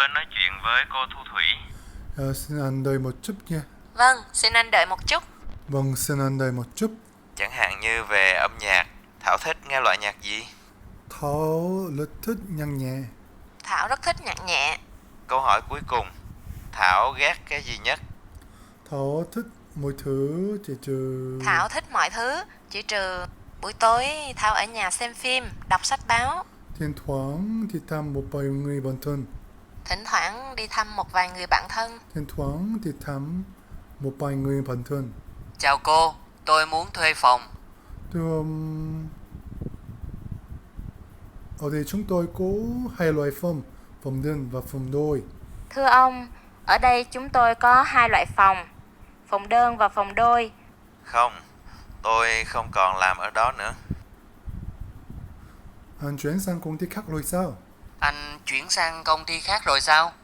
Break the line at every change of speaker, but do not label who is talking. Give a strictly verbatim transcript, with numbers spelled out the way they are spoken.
tôi nói chuyện với cô Thu Thủy.
Ờ, xin anh đợi một chút nha.
Vâng, xin anh đợi một chút.
Vâng, xin anh đợi một chút.
Chẳng hạn như về âm nhạc, Thảo thích nghe loại nhạc gì?
Thảo rất thích nhạc nhẹ.
Thảo rất thích nhạc nhẹ.
Câu hỏi cuối cùng, Thảo ghét cái gì nhất?
Thảo thích mọi thứ chỉ trừ...
Thảo thích mọi thứ, chỉ trừ buổi tối Thảo ở nhà xem phim, đọc sách báo.
Thỉnh thoảng thì thăm một vài người bạn thân.
Thỉnh thoảng đi thăm một vài người bạn thân.
Thỉnh thoảng thì thăm một vài người bạn thân.
Chào cô, tôi muốn thuê phòng.
Thưa um, ở đây chúng tôi có hai loại phòng, phòng đơn và phòng đôi.
Thưa ông, ở đây chúng tôi có hai loại phòng, phòng đơn và phòng đôi.
Không, tôi không còn làm ở đó nữa.
Anh chuyển sang công ty khác rồi sao?
Anh chuyển sang công ty khác rồi sao?